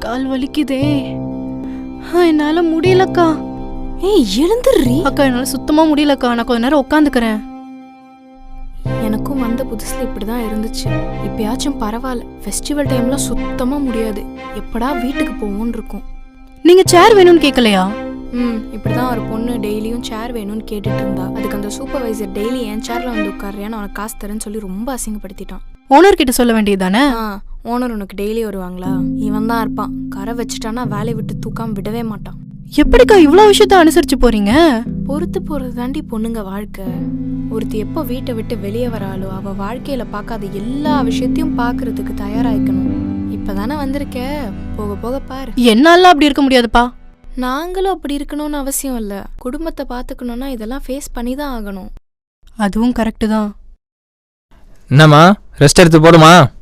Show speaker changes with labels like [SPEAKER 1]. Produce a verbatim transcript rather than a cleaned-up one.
[SPEAKER 1] கால் வலிக்குதே. என்னால முடியலக்கா.
[SPEAKER 2] ஏய் எழுந்துடுறீ.
[SPEAKER 1] அக்கா என்னால சுத்தமா முடியலக்கா. நான் கொஞ்ச நேரம் உட்காந்துக்கிறேன்.
[SPEAKER 2] எனக்கும் வந்த புதுசுல இப்படிதான் இருந்துச்சு. இப்பயாச்சும் பரவாயில்ல. ஃபெஸ்டிவல் டைம்ல சுத்தமா முடியாது. எப்படா வீட்டுக்கு போவோன்னு இருக்கும்.
[SPEAKER 1] நீங்க சேர் வேணும்னு கேட்கலையா?
[SPEAKER 2] ம் இப்படிதான் ஒரு பொண்ணு டெய்லியும் சேர் வேணும்னு கேட்டுட்டு இருந்தா. அதுக்கு அந்த சூப்பர்வைசர் டெய்லி என் சேர்ல வந்து உட்காரியான்னு அவனுக்கு காசு தரேன்னு சொல்லி ரொம்ப அசிங்கப்படுத்திட்டான்.
[SPEAKER 1] ஓனர் கிட்ட சொல்ல வேண்டியதானே?
[SPEAKER 2] ஆ ஓனர் உனக்கு டெய்லி வருவாங்களா? இவன் தான் இருப்பான். கரை வச்சுட்டானா வேலையை விட்டு தூக்காம விடவே மாட்டான்.
[SPEAKER 1] எப்படிக்கா இவ்வளவு விஷயத்த அனுசரிச்சு போறீங்க?
[SPEAKER 2] பொறுத்து போறது தாண்டி பொண்ணுங்க வாழ்க்கை. ஒருத்தி எப்போ வீட்டை விட்டு வெளியே வராளோ அவ வாழ்க்கையில பார்க்காத எல்லா விஷயத்தையும் பாக்குறதுக்கு தயாராயிக்கணும். இப்பதானே வந்திருக்க, போக போக பாரு.
[SPEAKER 1] என்னால அப்படி இருக்க முடியாதுப்பா.
[SPEAKER 2] நாங்களும் அப்படி இருக்கணும்னு அவசியம் இல்ல. குடும்பத்தை பாத்துக்கணும்னா இதெல்லாம் ஃபேஸ் பண்ணி தான் ஆகணும்.
[SPEAKER 1] அதுவும் கரெக்டு தான்.
[SPEAKER 3] என்னம்மா ரெஸ்ட் எடுத்து போடுமா?